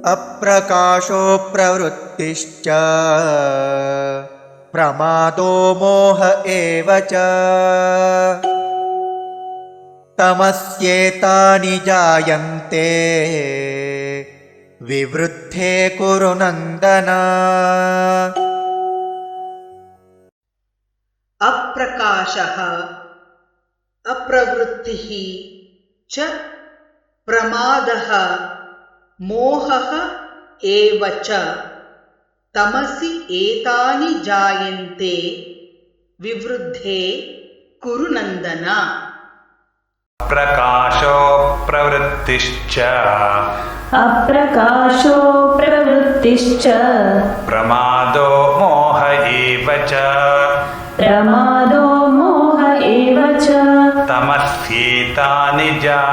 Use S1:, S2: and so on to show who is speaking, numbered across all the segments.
S1: अप्रकाशो प्रवृत्तिश्च प्रमादो मोह एव च तमस्येतानि जायन्ते विवृद्धे कुरु नन्दन।
S2: अप्रकाशः अप्रवृत्तिः च प्रमादः मोहः एव च तमसि एतानि जायन्ते विवृद्धे कुरु नन्दन।
S3: अप्रकाशो प्रवृत्तिश्च प्रमादो मोह एव च तमस्येतानि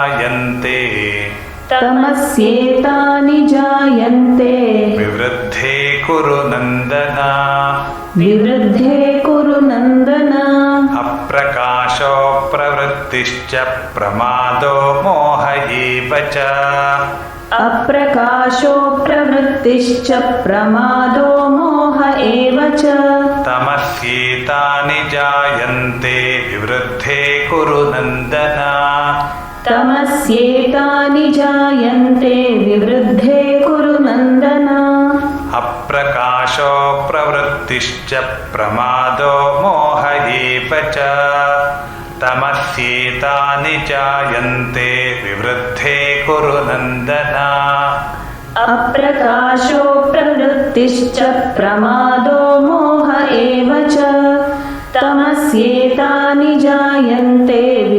S3: जायन्ते विवृद्धे कुरु नन्दन। अप्रकाशो प्रवृत्तिश्च प्रमादो मोह एव च तमस्येतानि जायन्ते विवृद्धे कुरु नन्दन। अप्रकाशो प्रवृत्तिश्च प्रमादो मोह एव च तमस्येतानि जायन्ते विवृद्धे कुरु नन्दन।
S4: अप्रकाशो प्रवृत्तिश्च प्रमादो मोह एव च तमस्येतानि जायन्ते